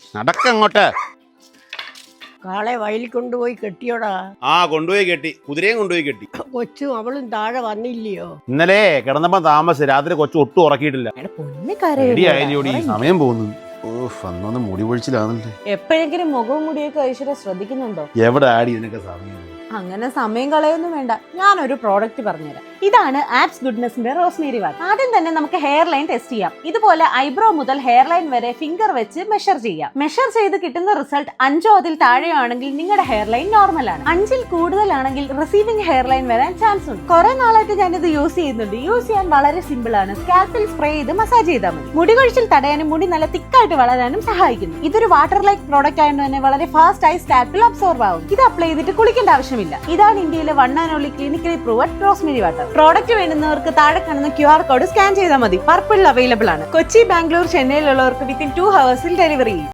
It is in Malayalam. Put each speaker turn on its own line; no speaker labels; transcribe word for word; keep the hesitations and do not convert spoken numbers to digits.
നടക്കങ്ങോട്ട്.
കാളെ വയലിൽ കൊണ്ടുപോയി കെട്ടിയോടാ.
ആ കൊണ്ടുപോയി കെട്ടി, കുതിരയും കൊണ്ടുപോയി കെട്ടി.
കൊച്ചും അവളും താഴെ വന്നില്ലയോ?
ഇന്നലെ കിടന്നപ്പോ താമസിച്ച് രാത്രി കൊച്ചു ഒട്ടും ഉറക്കിയിട്ടില്ല. റെഡിയായില്ലോടി, സമയം പോകുന്നു. ഓഫ്, അന്നൊന്ന് മുടി പൊഴിച്ചിലാണല്ലേ.
എപ്പോഴെങ്കിലും മുഖവും മുടിയൊക്കെ ഐശ്വര്യ ശ്രദ്ധിക്കുന്നുണ്ടോ?
എവിടെ ആടി ഇതിനൊക്കെ സമയം?
അങ്ങനെ സമയം കളയൊന്നും വേണ്ട, ഞാനൊരു പ്രോഡക്റ്റ് പറഞ്ഞുതരാം. ഇതാണ് ആപ്സ് ഗുഡ്നെസിന്റെ റോസ്മേരി വാട്ടർ. ആദ്യം തന്നെ നമുക്ക് ഹെയർ ലൈൻ ടെസ്റ്റ് ചെയ്യാം. ഇതുപോലെ ഐബ്രോ മുതൽ ഹെയർ ലൈൻ വരെ ഫിംഗർ വെച്ച് മെഷർ ചെയ്യാം. മെഷർ ചെയ്ത് കിട്ടുന്ന റിസൾട്ട് അഞ്ചോ അതിൽ താഴെയോ ആണെങ്കിൽ നിങ്ങളുടെ ഹെയർ ലൈൻ നോർമൽ ആണ്. അഞ്ചിൽ കൂടുതലാണെങ്കിൽ റിസീവിംഗ് ഹെയർ ലൈൻ വരാൻ ചാൻസ് ഉണ്ട്. കുറെ നാളായിട്ട് ഞാനിത് യൂസ് ചെയ്യുന്നുണ്ട്. യൂസ് ചെയ്യാൻ വളരെ സിമ്പിൾ ആണ്. സ്കാൽപ്പിൽ സ്പ്രേ ചെയ്ത് മസാജ് ചെയ്താൽ മതി. മുടി കൊഴിച്ചിൽ തടയാനും മുടി നല്ല തിക്കായിട്ട് വളരാനും സഹായിക്കുന്നു. ഇതൊരു വാട്ടർ ലൈക്ക് പ്രോഡക്റ്റ് ആയതുകൊണ്ട് തന്നെ വളരെ ഫാസ്റ്റ് ആയി സ്കാൽപ്പിൽ അബ്സോർബ് ആവും. ഇത് അപ്ലൈ ചെയ്തിട്ട് കുളിക്കേണ്ട ആവശ്യമില്ല. ഇതാണ് ഇന്ത്യയിലെ one and only clinically proved rosemary water. Product വേണ്ടുന്നവർക്ക് താഴെ കാണുന്ന ക്യു ആർ കോഡ് സ്കാൻ ചെയ്താൽ മതി. പർപ്പിൾ അവൈലബിൾ ആണ്. കൊച്ചി, ബാംഗ്ലൂർ, ചെന്നൈയിലുള്ളവർക്ക് വിത്തിൻ ടു ഹവേഴ്സിൽ ഡെലിവറി ചെയ്യും.